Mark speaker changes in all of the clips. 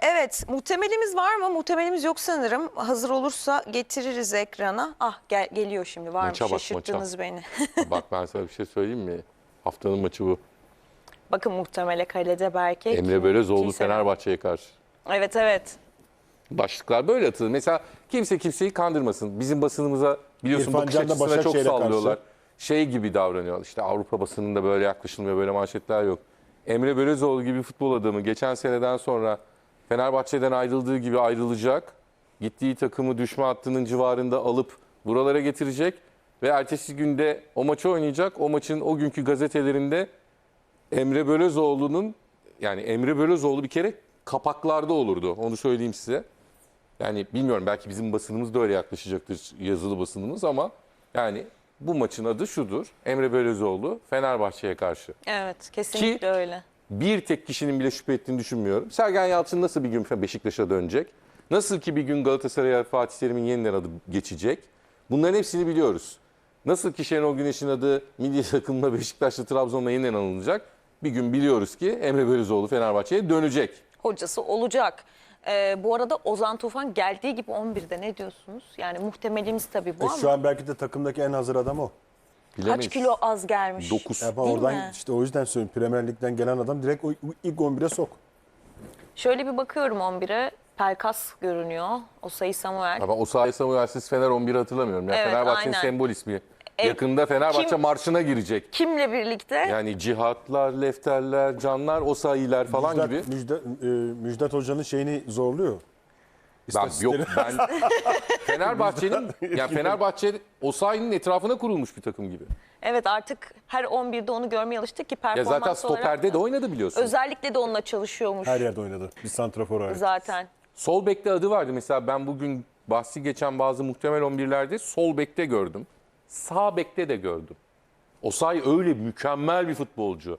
Speaker 1: Evet, muhtemelimiz var mı? Muhtemelimiz yok sanırım. Hazır olursa getiririz ekrana. Ah geliyor şimdi. Var mı?
Speaker 2: Maça bak,
Speaker 1: Şaşırttınız beni.
Speaker 2: Bak ben sana bir şey söyleyeyim mi? Haftanın maçı bu.
Speaker 1: Bakın muhtemele kalede belki.
Speaker 2: Emre Belözoğlu Fenerbahçe'ye karşı.
Speaker 1: Evet, evet.
Speaker 2: Başlıklar böyle atılır. Mesela kimse kimseyi kandırmasın. Bizim basınımıza biliyorsun
Speaker 3: İrfan
Speaker 2: bakış
Speaker 3: Can da
Speaker 2: açısına çok
Speaker 3: Başakşehir'e
Speaker 2: sallıyorlar.
Speaker 3: karşı.
Speaker 2: Şey gibi davranıyor. İşte Avrupa basınında böyle yaklaşılmıyor, böyle manşetler yok. Emre Belözoğlu gibi futbol adamı geçen seneden sonra Fenerbahçe'den ayrıldığı gibi ayrılacak. Gittiği takımı düşme hattının civarında alıp buralara getirecek. Ve ertesi günde o maçı oynayacak. O maçın o günkü gazetelerinde Emre Belözoğlu'nun, yani Emre Belözoğlu bir kere kapaklarda olurdu. Onu söyleyeyim size. Yani bilmiyorum, belki bizim basınımız da öyle yaklaşacaktır, yazılı basınımız, ama yani bu maçın adı şudur: Emre Belözoğlu Fenerbahçe'ye karşı.
Speaker 1: Evet, kesinlikle öyle.
Speaker 2: Bir tek kişinin bile şüphe ettiğini düşünmüyorum. Sergen Yalçın nasıl bir gün Beşiktaş'a dönecek? Nasıl ki bir gün Galatasaray'a Fatih Terim'in yeniden adı geçecek? Bunların hepsini biliyoruz. Nasıl ki Şenol Güneş'in adı milli takımla Beşiktaş'la Trabzon'la yeniden anılacak? Bir gün biliyoruz ki Emre Belözoğlu Fenerbahçe'ye dönecek.
Speaker 1: Hocası olacak. Bu arada Ozan Tufan geldiği gibi 11'de, ne diyorsunuz? Yani muhtemelimiz tabii bu ama
Speaker 3: Şu an belki de takımdaki en hazır adam o.
Speaker 2: Bilemeyiz.
Speaker 1: kaç kilo az gelmiş?
Speaker 2: 9.
Speaker 3: Yani
Speaker 1: Değil
Speaker 3: oradan
Speaker 1: mi?
Speaker 3: işte o yüzden söylüyorum. Premier Lig'den gelen adam direkt o ilk 11'e sok.
Speaker 1: Şöyle bir bakıyorum 11'e. Pelkas görünüyor. Osayi Samuel.
Speaker 2: Ama Osayi Samuel'siz Fener 11'i hatırlamıyorum. Yani
Speaker 1: Evet,
Speaker 2: Fenerbahçe'nin
Speaker 1: aynen.
Speaker 2: sembol ismi. Yakında Fenerbahçe
Speaker 1: kim-
Speaker 2: marşına girecek.
Speaker 1: Kimle birlikte?
Speaker 2: Yani cihatlar, lefterler, canlar, Osayi'ler falan gibi.
Speaker 3: Müjdat Hoca'nın şeyini zorluyor.
Speaker 2: Yok
Speaker 3: İstatistikleri.
Speaker 2: ben Fenerbahçe'nin, yani Fenerbahçe Osayi'nin etrafına kurulmuş bir takım gibi.
Speaker 1: Evet, artık her 11'de onu görmeye alıştık ki
Speaker 2: Ya
Speaker 1: performans
Speaker 2: zaten
Speaker 1: olarak
Speaker 2: stoperde
Speaker 1: da-
Speaker 2: de oynadı biliyorsun.
Speaker 1: Özellikle de onunla çalışıyormuş
Speaker 3: Her yerde oynadı. Bir santrafor olarak.
Speaker 1: zaten.
Speaker 2: Sol bekte adı vardı. Mesela ben bugün bahsi geçen bazı muhtemel 11'lerde sol bekte gördüm. Sağ bekte de gördüm. Osayi öyle mükemmel bir futbolcu.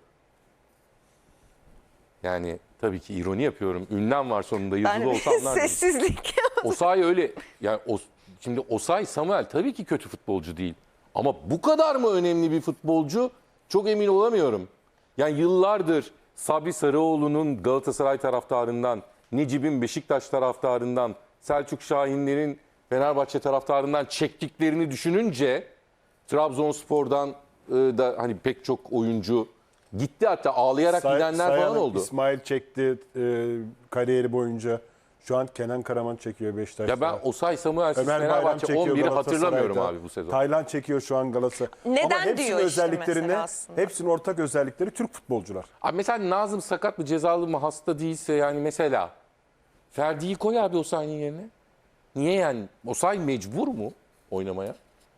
Speaker 2: Yani tabii ki ironi yapıyorum. Ünlem var sonunda, yazılı olsa anlardım.
Speaker 1: Sessizlik.
Speaker 2: Osayi öyle, yani şimdi Osayi Samuel tabii ki kötü futbolcu değil. Ama bu kadar mı önemli bir futbolcu? Çok emin olamıyorum. Yani yıllardır Sabri Sarıoğlu'nun Galatasaray taraftarından, Necip'in Beşiktaş taraftarından, Selçuk Şahinler'in Fenerbahçe taraftarından çektiklerini düşününce Trabzonspor'dan da hani pek çok oyuncu gitti, hatta ağlayarak gidenler falan
Speaker 3: Sayan'ı
Speaker 2: oldu.
Speaker 3: İsmail çekti kariyeri boyunca. Şu an Kenan Karaman çekiyor Beşiktaş'ta.
Speaker 2: Ya ben Osayi Samuel'siz
Speaker 3: Ömer Bayram
Speaker 2: Fenerbahçe
Speaker 3: çekiyor
Speaker 2: 11'i hatırlamıyorum
Speaker 3: Galatasaray'da.
Speaker 2: abi bu sezon.
Speaker 3: Taylan çekiyor şu an Galatasaray.
Speaker 1: Neden
Speaker 3: Ama hepsinin
Speaker 1: diyor işte
Speaker 3: özelliklerini,
Speaker 1: mesela aslında.
Speaker 3: hepsinin ortak özellikleri Türk futbolcular.
Speaker 2: Abi mesela Nazım sakat mı, cezalı mı, hasta değilse, yani mesela Ferdi'yi koy abi Osayi'nin yerine. Niye yani? Osayi mecbur mu oynamaya?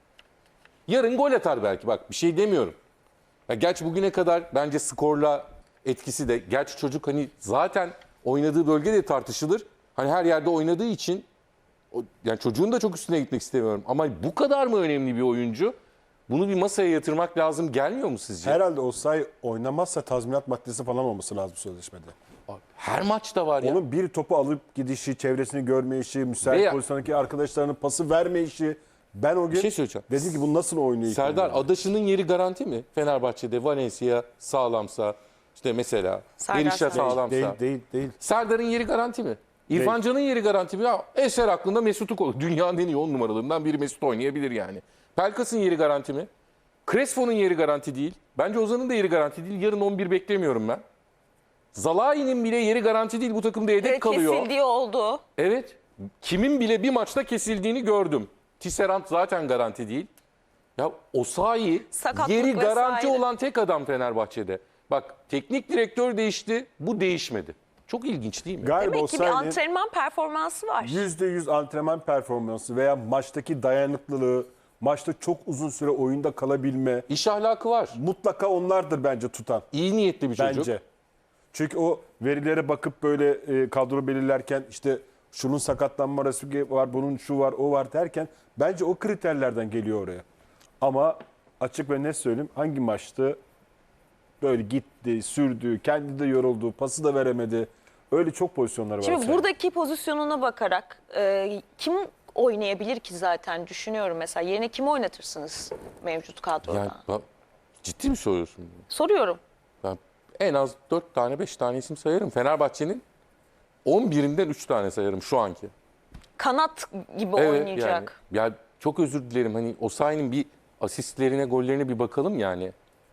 Speaker 2: Yarın gol atar belki, bak bir şey demiyorum. Ya gerçi bugüne kadar bence skorla etkisi de, gerçi çocuk hani zaten oynadığı bölge de tartışılır. Hani her yerde oynadığı için yani çocuğun da çok üstüne gitmek istemiyorum. Ama bu kadar mı önemli bir oyuncu? Bunu bir masaya yatırmak lazım, gelmiyor mu sizce?
Speaker 3: Herhalde Osayi oynamazsa tazminat maddesi falan olması lazım sözleşmede.
Speaker 2: Her maçta var ya.
Speaker 3: Onun bir topu alıp gidişi, çevresini görmeyişi, müsait
Speaker 2: Veya-
Speaker 3: pozisyondaki arkadaşlarının pası vermeyişi. Ben o gün
Speaker 2: şey söyleyeceğim.
Speaker 3: dedim ki bu nasıl oynuyor? ilk
Speaker 2: Serdar,
Speaker 3: oyunda?
Speaker 2: Adaşı'nın yeri garanti mi? Fenerbahçe'de Valencia sağlamsa, işte mesela
Speaker 1: Serdar
Speaker 2: Berisha
Speaker 1: Saray.
Speaker 2: sağlamsa.
Speaker 3: Değil.
Speaker 2: Serdar'ın yeri garanti mi? İrfan Can'ın yeri garanti mi? Ya eser aklında Mesut'u koy. Dünyanın en iyi 10 numaralarından biri Mesut oynayabilir yani. Pelkas'ın yeri garanti mi? Crespo'nun yeri garanti değil. Bence Ozan'ın da yeri garanti değil. Yarın 11 beklemiyorum ben. Zalai'nin bile yeri garanti değil. Bu takımda yedek
Speaker 1: Evet,
Speaker 2: kalıyor.
Speaker 1: kesildiği oldu.
Speaker 2: Evet. Kimin bile bir maçta kesildiğini gördüm. Tisserand zaten garanti değil. Ya Osayi
Speaker 1: Sakatlık
Speaker 2: yeri garanti
Speaker 1: vesaire.
Speaker 2: olan tek adam Fenerbahçe'de. Bak, teknik direktör değişti, bu değişmedi. Çok ilginç değil mi?
Speaker 3: Galiba
Speaker 1: Demek ki bir
Speaker 3: Osayi'nin
Speaker 1: antrenman performansı var.
Speaker 3: %100 antrenman performansı veya maçtaki dayanıklılığı, maçta çok uzun süre oyunda kalabilme
Speaker 2: İş ahlakı var.
Speaker 3: mutlaka onlardır bence tutan.
Speaker 2: İyi niyetli bir çocuk.
Speaker 3: Bence. Çünkü o verilere bakıp böyle kadro belirlerken işte şunun sakatlanma riski var, bunun şu var, o var derken bence o kriterlerden geliyor oraya. Ama açık ve net söyleyeyim, hangi maçtı böyle gitti, sürdü, kendi de yoruldu, pası da veremedi. Öyle çok pozisyonları var.
Speaker 1: Şimdi
Speaker 3: Osayi'nin.
Speaker 1: buradaki pozisyonuna bakarak kim oynayabilir ki zaten düşünüyorum mesela. Yerine kimi oynatırsınız mevcut kadroda?
Speaker 2: Yani, ciddi mi soruyorsun bunu?
Speaker 1: Soruyorum.
Speaker 2: Ben en az 4 tane 5 tane isim sayarım. Fenerbahçe'nin 11'inden 3 tane sayarım şu anki.
Speaker 1: Kanat gibi
Speaker 2: Evet,
Speaker 1: oynayacak.
Speaker 2: yani, ya çok özür dilerim. Hani Osayi'nin bir asistlerine, gollerine bir bakalım yani.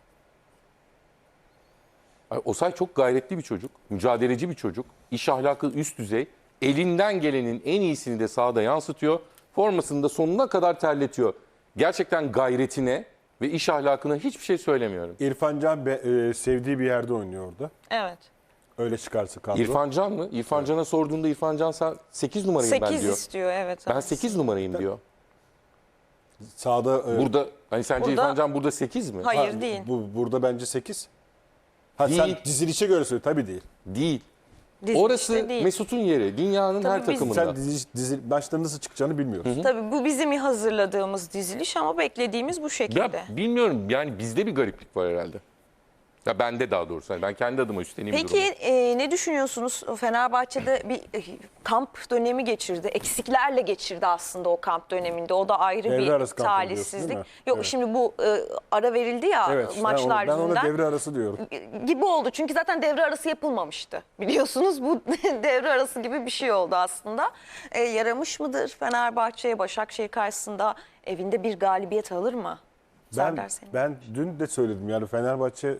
Speaker 2: Osayi çok gayretli bir çocuk, mücadeleci bir çocuk. İş ahlakı üst düzey. Elinden gelenin en iyisini de sahada yansıtıyor. Formasını da sonuna kadar terletiyor. Gerçekten gayretine ve iş ahlakına hiçbir şey söylemiyorum.
Speaker 3: İrfan Can sevdiği bir yerde oynuyor orada.
Speaker 1: Evet.
Speaker 3: Öyle çıkarsa kadro.
Speaker 2: İrfan Can mı? İrfan Can'a sorduğunda İrfan Can sen 8 numarayım ben
Speaker 1: 8
Speaker 2: diyor.
Speaker 1: istiyor evet.
Speaker 2: Ben 8 numarayım diyor.
Speaker 3: Sağda
Speaker 2: Burada hani sence
Speaker 1: Burada-
Speaker 2: İrfan Can burada 8 mi?
Speaker 1: Hayır değil.
Speaker 3: Burada bence 8. Ha
Speaker 2: Değil.
Speaker 3: sen dizilişe göre söyle tabii değil.
Speaker 2: Değil.
Speaker 1: Dizilişte
Speaker 2: Orası
Speaker 1: değil.
Speaker 2: Mesut'un yeri. Dünyanın
Speaker 1: Tabii
Speaker 2: her
Speaker 1: biz-
Speaker 2: takımında.
Speaker 3: Sen dizi maçların nasıl çıkacağını bilmiyoruz.
Speaker 1: Tabii bu bizim hazırladığımız diziliş ama beklediğimiz bu şekilde.
Speaker 2: Ya bilmiyorum yani bizde bir gariplik var herhalde. Ya bende daha doğrusu. Yani ben kendi adıma üstleneyim
Speaker 1: Peki
Speaker 2: durumu.
Speaker 1: ne düşünüyorsunuz? Fenerbahçe'de bir kamp dönemi geçirdi. Eksiklerle geçirdi aslında o kamp döneminde. O da ayrı
Speaker 3: Devre
Speaker 1: bir
Speaker 3: arası kampı diyorsun,
Speaker 1: talihsizlik.
Speaker 3: değil mi?
Speaker 1: Yok
Speaker 3: Evet.
Speaker 1: şimdi bu ara verildi ya
Speaker 3: Evet.
Speaker 1: maçlar
Speaker 3: ben ona
Speaker 1: yüzünden.
Speaker 3: devre arası diyorum.
Speaker 1: Gibi oldu. Çünkü zaten devre arası yapılmamıştı. Biliyorsunuz bu devre arası gibi bir şey oldu aslında. Yaramış mıdır Fenerbahçe'ye Başakşehir karşısında evinde bir galibiyet alır mı? Serdar senin.
Speaker 3: Ben dün de söyledim yani Fenerbahçe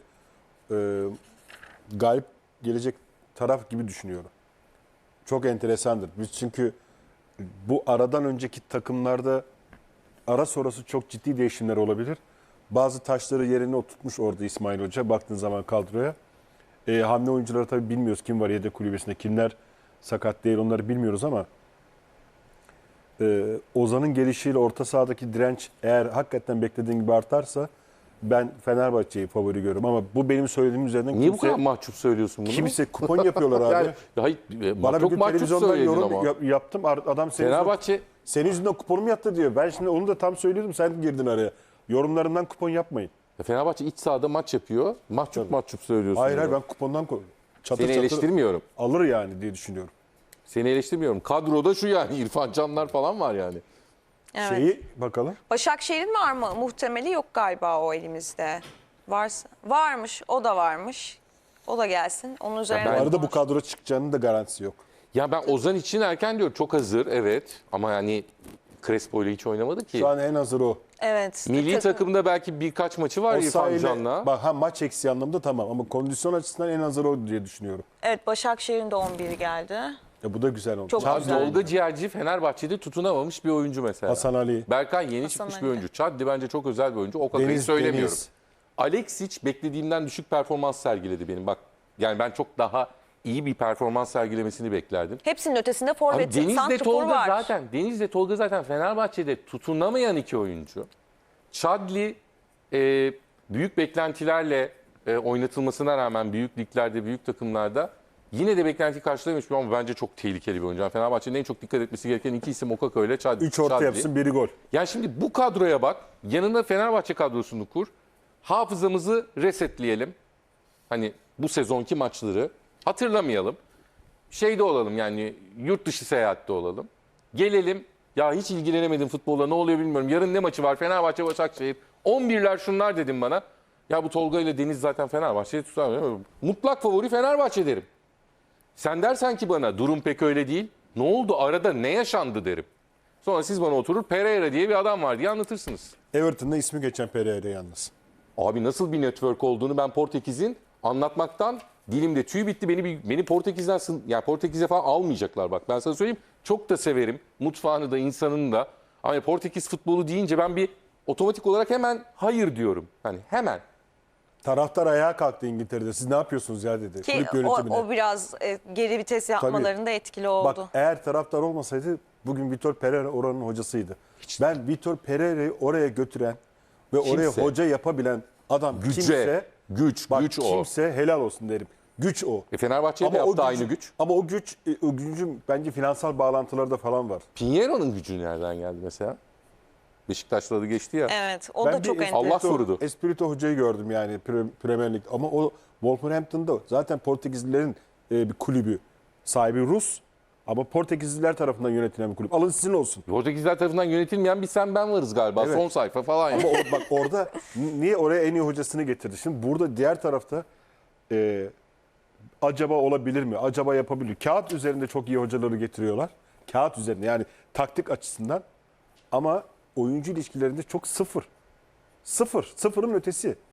Speaker 3: galip gelecek taraf gibi düşünüyorum. Çok enteresandır. Biz çünkü bu aradan önceki takımlarda ara sonrası çok ciddi değişimler olabilir. Bazı taşları yerine oturtmuş orada İsmail Hoca baktığın zaman kadroya. Hamle oyuncuları tabii bilmiyoruz kim var yedek kulübesinde, kimler sakat değil onları bilmiyoruz ama Ozan'ın gelişiyle orta sahadaki direnç eğer hakikaten beklediğin gibi artarsa ben Fenerbahçe'yi favori görüyorum ama bu benim söylediğim üzerinden
Speaker 2: Niye bu kadar mahcup söylüyorsun bunu?
Speaker 3: kimse kupon yapıyorlar abi.
Speaker 2: Yani, hayır,
Speaker 3: Bana bir
Speaker 2: çok
Speaker 3: gün
Speaker 2: mahcup
Speaker 3: televizyondan
Speaker 2: söyledin
Speaker 3: yorum
Speaker 2: ama.
Speaker 3: yaptım. Adam
Speaker 2: Fenerbahçe
Speaker 3: senin yüzünden kuponum yattı diyor. Ben şimdi onu da tam söylüyordum. Sen girdin araya. Yorumlarından kupon yapmayın.
Speaker 2: Fenerbahçe iç sahada maç yapıyor. Mahcup söylüyorsun.
Speaker 3: Hayır
Speaker 2: bunu.
Speaker 3: ben kupondan çatır
Speaker 2: Seni
Speaker 3: çatır
Speaker 2: eleştirmiyorum.
Speaker 3: alır yani diye düşünüyorum.
Speaker 2: Seni eleştirmiyorum. Kadroda şu yani İrfan Canlar falan var yani.
Speaker 1: Evet.
Speaker 3: Şeyi bakalım.
Speaker 1: Başakşehir'in var mı? Muhtemeli yok galiba o elimizde. Varsa varmış, o da varmış. O da gelsin. Onun üzerine
Speaker 2: ben-
Speaker 3: Bu arada bu
Speaker 1: konuşalım.
Speaker 3: kadro çıkacağının da garantisi yok.
Speaker 2: Ya ben Ozan için erken diyorum. Çok hazır evet. Ama yani Crespo ile hiç oynamadı ki.
Speaker 3: Şu an en hazır o.
Speaker 1: Evet.
Speaker 2: Milli takımda belki birkaç maçı var
Speaker 3: O
Speaker 2: İrfan
Speaker 3: sayede
Speaker 2: Can'la.
Speaker 3: bak ha maç eksiği anlamında tamam ama kondisyon açısından en hazır o diye düşünüyorum.
Speaker 1: Evet Başakşehir'in de 11'i geldi.
Speaker 3: Bu da güzel oldu.
Speaker 1: Çok
Speaker 3: Çağ-
Speaker 1: güzel.
Speaker 2: Tolga Ciğerci Fenerbahçe'de tutunamamış bir oyuncu mesela.
Speaker 3: Hasan Ali.
Speaker 2: Berkay yeni
Speaker 1: Hasan
Speaker 2: çıkmış
Speaker 1: Ali.
Speaker 2: bir oyuncu. Chadli bence çok özel bir oyuncu. O kakayı söylemiyorum.
Speaker 3: Deniz.
Speaker 2: Alexic beklediğimden düşük performans sergiledi benim. Bak yani ben çok daha iyi bir performans sergilemesini beklerdim.
Speaker 1: Hepsinin ötesinde
Speaker 2: Abi
Speaker 1: forvet,
Speaker 2: Deniz'le
Speaker 1: santrfor
Speaker 2: Tolga
Speaker 1: var.
Speaker 2: zaten Tolga zaten Fenerbahçe'de tutunamayan iki oyuncu. Chadli büyük beklentilerle oynatılmasına rağmen büyük liglerde, büyük takımlarda yine de beklenti karşılamış ama bence çok tehlikeli bir oyuncu. Yani Fenerbahçe'nin en çok dikkat etmesi gereken iki isim Okaka ile Chadli.
Speaker 3: 3 orta yapsın biri gol.
Speaker 2: Yani şimdi bu kadroya bak. Yanına Fenerbahçe kadrosunu kur. Hafızamızı resetleyelim. Hani bu sezonki maçları hatırlamayalım. Şeyde olalım yani yurt dışı seyahatte olalım. Gelelim ya hiç ilgilenemedim futbolla ne oluyor bilmiyorum. Yarın ne maçı var Fenerbahçe Başakşehir. 11'ler şunlar dedim bana. Ya bu Tolga ile Deniz zaten Fenerbahçe'yi tutar. Mutlak favori Fenerbahçe derim. Sen dersen ki bana durum pek öyle değil. Ne oldu arada ne yaşandı derim. Sonra siz bana oturur Pereira diye bir adam var diye anlatırsınız.
Speaker 3: Everton'da ismi geçen Pereira yalnız.
Speaker 2: Abi nasıl bir network olduğunu ben Portekiz'in anlatmaktan dilimde tüy bitti. Beni Portekiz'den yani Portekiz'e falan almayacaklar bak. Ben sana söyleyeyim. Çok da severim. Mutfağını da insanını da. Ama Portekiz futbolu deyince ben bir otomatik olarak hemen hayır diyorum. Hani hemen.
Speaker 3: Taraftar ayağa kalktı İngiltere'de. Siz ne yapıyorsunuz ya dedi.
Speaker 1: Ki
Speaker 3: Kulüp
Speaker 1: o,
Speaker 3: yönetimine.
Speaker 1: o biraz geri vites yapmalarında etkili oldu.
Speaker 3: Bak eğer taraftar olmasaydı bugün Vitor Pereira oranın hocasıydı. Ben Vitor Pereira'yı oraya götüren ve oraya
Speaker 2: Kimse.
Speaker 3: hoca yapabilen adam
Speaker 2: Güce,
Speaker 3: kimse
Speaker 2: güç o.
Speaker 3: kimse helal olsun derim. Güç o.
Speaker 2: Fenerbahçe'ye de
Speaker 3: o
Speaker 2: yaptı aynı güç.
Speaker 3: Ama o gücün bence finansal bağlantıları da falan var.
Speaker 2: Pinheiro'nun gücü nereden geldi mesela? Beşiktaş'la da geçti ya.
Speaker 1: Evet o
Speaker 3: Ben
Speaker 1: da
Speaker 3: bir
Speaker 1: çok
Speaker 3: Espirito-
Speaker 1: enteresan.
Speaker 2: Allah korudu.
Speaker 3: Espirito hocayı gördüm yani Premier Lig. Ama o Wolverhampton'da zaten Portekizlilerin bir kulübü. Sahibi Rus ama Portekizliler tarafından yönetilen bir kulüp. Alın sizin olsun.
Speaker 2: Portekizler tarafından yönetilmeyen bir sen ben varız galiba.
Speaker 3: Evet.
Speaker 2: Son sayfa falan.
Speaker 3: Ama bak orada niye oraya en iyi hocasını getirdi? Şimdi burada diğer tarafta acaba olabilir mi? Acaba yapabilir. Kağıt üzerinde çok iyi hocaları getiriyorlar. Kağıt üzerinde yani taktik açısından. Ama oyuncu ilişkilerinde çok sıfır. Sıfır. Sıfırın ötesi.